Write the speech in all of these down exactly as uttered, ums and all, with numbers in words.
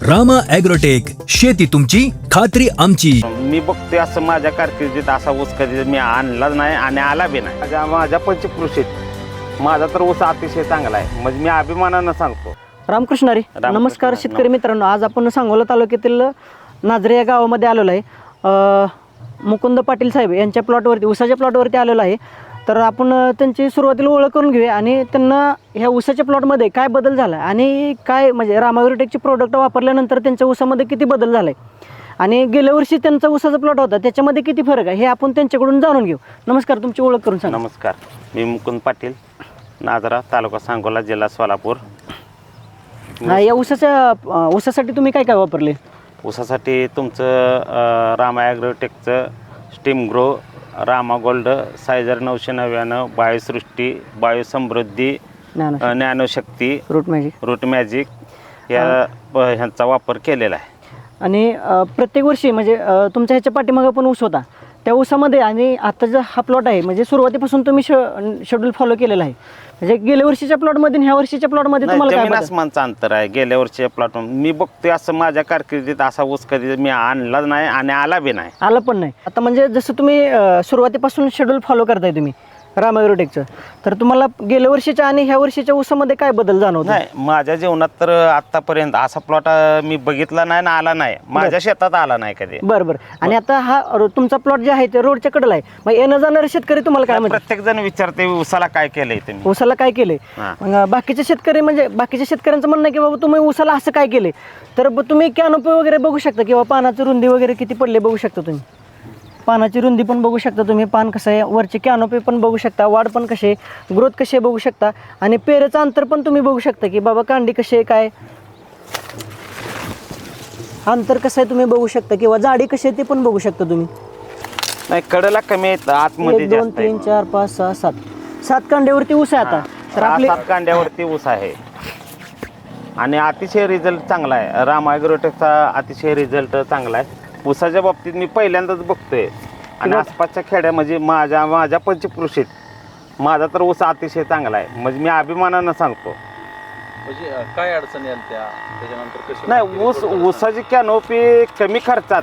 Rama agrotech, शेती तुमची खात्री आमची. मी बघतोय असं माझ्या कारकिर्दीत असा ऊस कधी मी आणलाच नाही आणि आला बी नाही. माझ्या माझ्या पंचकृषीत माझा तर ऊस अतिशय चांगला आहे, म्हणजे मी अभिमानानं सांगतो. रामकृष्ण हरी. रामकृष्ण नमस्कार हरी. शेतकरी मित्रांनो, आज आपण सांगोला तालुक्यातील नाझरे या गावामध्ये आलेलो आहे. अ, मुकुंद पाटील साहेब यांच्या प्लॉटवरती, ऊसाच्या प्लॉटवरती आलेलो आहे. तर आपण अ, त्यांची सुरुवातीला ओळख करून घेऊया आणि त्यांना ह्या ऊसाच्या प्लॉटमध्ये काय बदल झाला आणि काय म्हणजे रामा ॲग्रोटेकचे प्रोडक्ट वापरल्यानंतर त्यांच्या ऊसामध्ये किती बदल झाला आहे आणि गेल्या वर्षी त्यांचा ऊसाचा प्लॉट होता त्याच्यामध्ये किती फरक आहे हे आपण त्यांच्याकडून जाणून घेऊ. नमस्कार, तुमची ओळख करून सांगा. नमस्कार, मी मुकुंद पाटील, नाझरा, तालुका सांगोला, जिल्हा सोलापूर. हा, या ऊसाच्या अ, ऊसासाठी तुम्ही काय काय वापरले? ऊसासाठी तुमचं अ, रामा ॲग्रोटेकचं स्टीम ग्रो, रामा गोल्ड, सायझर नऊशे नव्याण्णव, बायोसृष्टी, बायोसमृद्धी, ज्ञान अ, ज्ञानशक्ती, रूट मॅजिक रूट मॅजिक या प- ह्यांचा वापर केलेला आहे. आणि अ, प्रत्येक वर्षी म्हणजे अ, तुमच्या ह्याच्या पाठीमागं पण ऊस होता, त्या ऊसामध्ये आणि आताचा हा प्लॉट आहे म्हणजे सुरुवातीपासून तुम्ही श शेड्यूल फॉलो केलेला आहे. म्हणजे गेल्या वर्षीच्या प्लॉटमध्ये आणि ह्या वर्षीच्या प्लॉटमध्ये नाही, तुम्हाला काय जमीन बदल? आसमानचं अंतर आहे. गेल्या वर्षी प्लॉट मी बघतोय असं माझ्या कारकिर्दीत असा ऊस कधी मी आणलाच नाही आणि आला बी नाही. आलं पण नाही. आता म्हणजे जसं तुम्ही अ, सुरुवातीपासून शेड्यूल फॉलो करताय तुम्ही रामा ॲग्रोटेकचं, तर तुम्हाला गेल्या वर्षीच्या आणि ह्या वर्षीच्या ऊसामध्ये काय बदल जाणवतो? नाही, माझ्या जीवनात तर आतापर्यंत असा प्लॉट मी बघितला नाही ना आला नाही, माझ्या शेतात आला नाही कधी. बरं बरं. आणि आता हा रो- तुमचा प्लॉट जे आहे ते रोडच्या कडेला आहे, मग येणं जाणारे शेतकरी तुम्हाला काय म्हणतात? प्रत्येक जण विचारते ऊसाला काय केलंय तुम्ही. ऊसाला काय केले? हा. मग बाकीचे शेतकरी म्हणजे बाकीच्या शेतकऱ्यांचं म्हणणं आहे की बाबा तुम्ही ऊसाला असं काय केले, तर ब- तुम्ही कॅनोपी वगैरे बघू शकता किंवा पानाची रुंदी वगैरे किती पडले बघू शकता तुम्ही. पानाची रुंदी पण बघू शकता तुम्ही, पान कसं आहे, वरची कॅनोपी पण बघू शकता, वाढ पण कशी आहे, ग्रोथ कशी आहे बघू शकता आणि पेरेचं अंतर पण तुम्ही बघू शकता की बाबा कांडी कशी आहे, काय अंतर कसं आहे तुम्ही बघू शकता किंवा जाडी कशी आहे ते पण बघू शकता तुम्ही. नाही, कडेला कमी आहेत, आतमध्ये एक दोन जास्त आहे. तीन चार पाच सहा सात सात कांड्यावरती ऊस आहे आता. तर हा, आपले सात कांड्यावरती ऊस आहे आणि अतिशय रिझल्ट चांगला आहे. रामा ॲग्रोटेकचा अतिशय रिझल्ट चांगला आहे. ऊसाच्या बाबतीत मी पहिल्यांदाच बघतोय आणि आसपासच्या खेड्या म्हणजे माझ्या माझ्या पंचकृषीत माझा तर ऊस अतिशय चांगला आहे, म्हणजे मी अभिमानानं सांगतो. म्हणजे अ, काय अडचणी आल्या त्या त्याच्यानंतर कशी नाही, ऊस ऊसाची कॅनोपी कमी खर्चात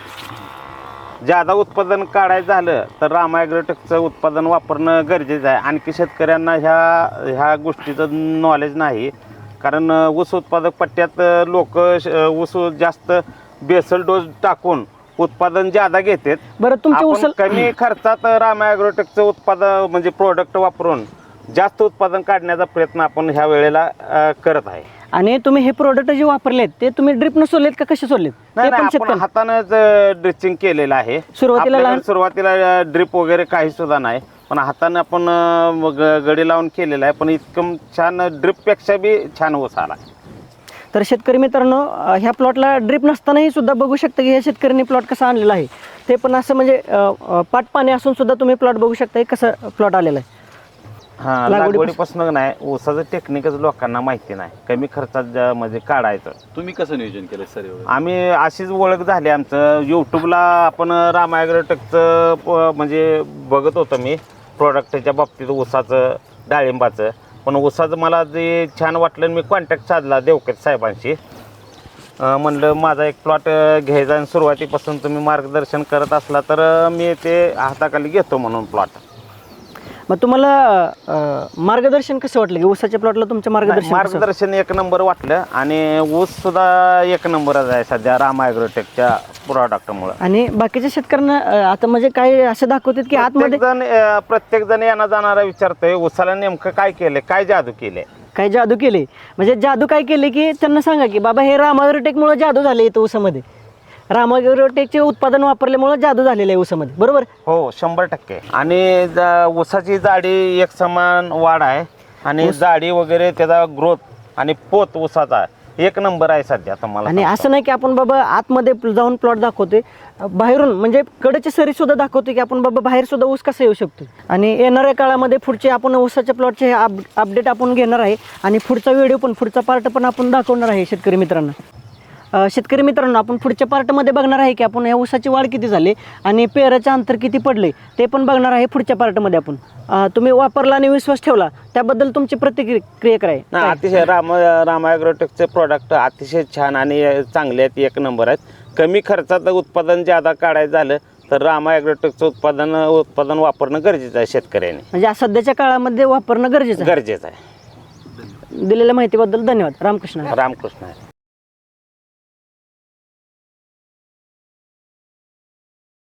ज्यादा उत्पादन काढायचं झालं तर रामा ॲग्रोटेकचं उत्पादन वापरणं गरजेचं आहे. आणखी शेतकऱ्यांना ह्या ह्या गोष्टीचं नॉलेज नाही, कारण ऊस उत्पादक पट्ट्यात लोक ऊस जास्त बेसल डोस टाकून उत्पादन ज्यादा घेतात. बरं, तुमच्या आपण ऊसाला कमी खर्चात रामा ॲग्रोटेकचं उत्पादन म्हणजे प्रोडक्ट वापरून जास्त उत्पादन काढण्याचा प्रयत्न आपण ह्या वेळेला अ, करत आहे. आणि तुम्ही हे प्रोडक्ट जे वापरलेत ते तुम्ही ड्रिपनं सोडलेत का कसे सोडलेत ते नाही पण नाही, आपण शेतकरी हातानंच ड्रिचिंग केलेलं आहे. सुरुवातीला आपल्याकडे लहान- सुरुवातीला ड्रिप वगैरे काही सुद्धा नाही, पण हाताने आपण अं, मग गडी लावून केलेलं आहे. पण इतकं छान ड्रिपपेक्षा बी छान ऊस आला. तर शेतकरी मित्रांनो, अ, ह्या प्लॉटला ड्रिप नसतानाही सुद्धा बघू शकता की ह्या शेतकऱ्यांनी प्लॉट कसा आणलेला आहे. ते पण असं म्हणजे अ, अ, पाट पाणी असून सुद्धा तुम्ही प्लॉट बघू शकता की कसं प्लॉट आलेला आहे. हा, लागवडीपासून- लागवडीपासून नाही, ऊसाचं टेक्निकच लोकांना माहिती नाही, कमी खर्चात ज्या- म्हणजे काढायचं. तुम्ही कसं नियोजन केलं सर वगैरे? आम्ही अशीच ओळख झाली आमचं, यूट्यूबला आपण रामा ॲग्रोटेकचं प- म्हणजे बघत होतो मी प्रोडक्टच्या बाबतीत, ऊसाचं, डाळिंबाचं. पण ऊसाचं मला जे छान वाटलं आणि मी कॉन्टॅक्ट साधला देवकेत साहेबांशी. अं, म्हणलं माझा एक प्लॉट घ्यायचा आणि सुरुवातीपासून तुम्ही मार्गदर्शन करत असला तर अं, मी ते हाताखाली घेतो म्हणून प्लॉट. मग तुम्हाला अ, मार्गदर्शन कसं वाटलं की ऊसाच्या प्लॉटला तुमचं मार्गदर्शन कसं? मार्गदर्शन एक नंबर वाटलं आणि ऊस सुद्धा एक नंबरच आहे सध्या रामा ॲग्रोटेकच्या प्रोडक्टमुळं. आणि बाकीच्या शेतकऱ्यांना अ, आता म्हणजे काय असं दाखवतात की आतमध्ये प्रत्येक जण प्रत्येक जण यांना जाणारा विचारतोय ऊसाला नेमकं काय केलंय, काय जादू केले. काय जादू केले. म्हणजे जादू काय केले की त्यांना सांगा की बाबा हे रामा ॲग्रोटेकमुळे जादू झाले इथं ऊसामध्ये, रामा ॲग्रोटेकचे उत्पादन वापरल्यामुळे जादू झालेलं आहे ऊसामध्ये, बरोबर? हो, शंभर टक्के. आणि ज- ऊसाची जाडी एक समान वाढ आहे आणि जाडी वगैरे त्याचा ग्रोथ आणि पोत ऊसाचा एक नंबर आहे सध्या तुम्हाला. आणि असं नाही की आपण बाबा आतमध्ये जाऊन प्लॉट दाखवतोय, बाहेरून म्हणजे कडेची सरी सुद्धा दाखवतोय की आपण बाबा बाहेर सुद्धा ऊस कसा येऊ शकतो. आणि येणाऱ्या काळामध्ये पुढचे आपण ऊसाच्या प्लॉटचे अप अपडेट आपण घेणार आहे आणि पुढचा व्हिडिओ पण, पुढचा पार्ट पण आपण दाखवणार आहे शेतकरी मित्रांना. अ, शेतकरी मित्रांनो, आपण पुढच्या पार्टमध्ये बघणार आहे की आपण ह्या ऊसाची वाढ किती झाली आणि पेराचं अंतर किती पडले ते पण बघणार आहे पुढच्या पार्टमध्ये आपण. अ, तुम्ही वापरला आणि विश्वास ठेवला त्याबद्दल तुमची प्रतिक्रिया काय? ना काय? अतिशय राम रामा ॲग्रोटेकचे प्रॉडक्ट अतिशय छान आणि चांगले आहेत, एक नंबर आहेत. कमी खर्चात उत्पादन ज्यादा काढायचं झालं तर रामा ॲग्रोटेकचं उत्पादन उत्पादन वापरणं गरजेचं आहे शेतकऱ्याने. म्हणजे आज सध्याच्या काळामध्ये वापरणं गरजेचं आहे. गरजेचं आहे. दिलेल्या माहितीबद्दल धन्यवाद. रामकृष्ण. रामकृष्ण.